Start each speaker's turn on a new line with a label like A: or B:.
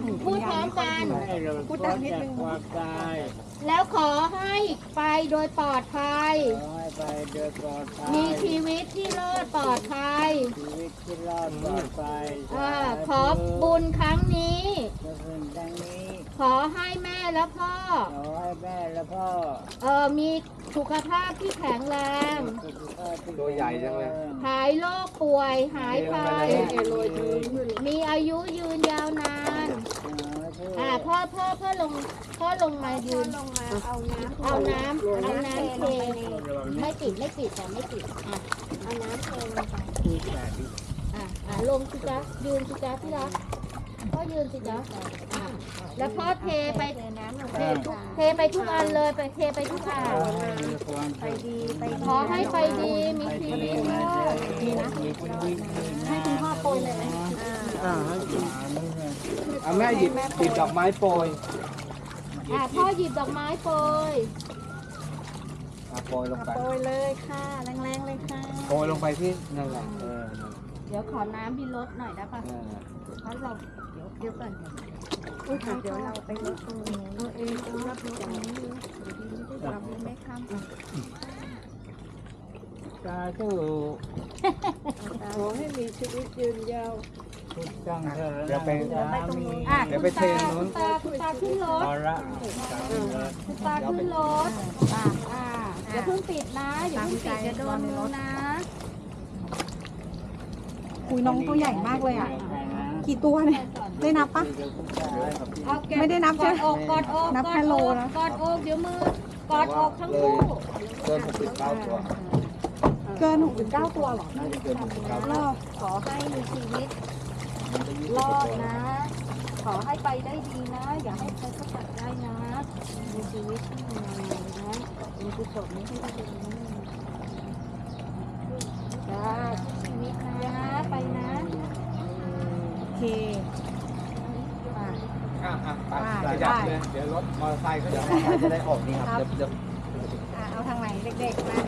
A: หูคุ
B: พู
A: ณ
B: ดพ
A: ยา
B: ร้
A: ย
B: อม
A: ไม่ค่อย
B: กัน
A: ดี
C: ให้เรา
A: พูดดังนิดนึง
C: ความตาย
B: แล้วขอให้ไปโดยปลอดภัย
C: ขอให้ไปโดยปลอดภัย
B: มีชีวิตที่รอดปลอดภัย
C: ชีวิตที่รอดปลอดภัย
B: ขอบุญครั้งนี้
C: ขอบุญดังนี้
B: ขอให้แม่และพ่อ
C: ขอให้แม่และพ่อ
B: มีสุขภาพที่แข็งแรง
C: สุขภาพที่
D: ตัวใหญ่จังเลย
B: หายโรคป่วยหายไป มีอายุยืนยาวนาน พ่อลงมายืน
A: ลงมาเอาน้ำ
B: เอาน้ำเทไม่ติดแต่ไม่ติด
A: เอาน้ำเทลงไป
B: ลงสิจ๊ะยืนสิจ๊ะที่รักพ่อยืนสิจ๊ะแล้วพ่อเทไป
A: เทน้ำลง
B: เทไปทุกอันเลยไปเทไปทุกอัน
A: ไปดีไป
B: ขอให้ไปดีมีชีวิตรอด
A: ให้คุณพ่อโปรยเลยไหม
D: เอาแม่หยิบดอกไม้โปรย
B: พ่อหยิบดอกไม้โปรย
D: โปรยลงไป
A: โปรยเลยค่ะแรงๆเลยค่ะ
D: โปรยลงไปที่นั่นแหละ
B: เดี๋ยวขอน้ำพี่รถหน่อยได้ปะเพราะเราเดี๋ยวก่อน
A: เดี๋ยวเราไปรถตรงนี้ตัวเองรับรถตรงนี้เราไม่ข้าม
C: สาธุ
A: ขอให้มีชีวิตยืนยาว
C: ทุกจังเถิด
D: เดี๋ยวไป
C: มี
D: เดี๋ยวไปเทนู้น
B: คุณตาขึ้นรถ
C: ภาระ
B: คุณตาขึ้นรถอย่าเพิ่งปิดนะอย่าเพิ่งปิดจะโดนมือนะ
A: คุยน้องตัวใหญ่มากเลยอ่ะ กี่ตัวเนี่ยได้นับปะ ไม่ได้นับใช่ไหม
B: กอดอก
A: นับแค่โลนะ
B: กอดอกเดี๋ยวมือกอดอกทั้งคู่
D: เกิน69ตัว
A: เกิน69ตัวเหรอ
D: น่าจะเกิน69
A: รอบ
B: ขอให้มีชีวิตรอดนะ ขอให้ไปได้ดีนะ อย่าให้ใครเขาตัดได้นะ มีชีวิตที่ดีนะมีกุศลนี้ให้ได้ดีจ้าชีวิตนะไปนะ
A: โอเค
D: ไปจับเลยเดี๋ยวรถมอเตอร์ไซค์เขาจะได้ออกนี่ครับเดี๋ยว
A: เอาทางไหนเด็กๆมา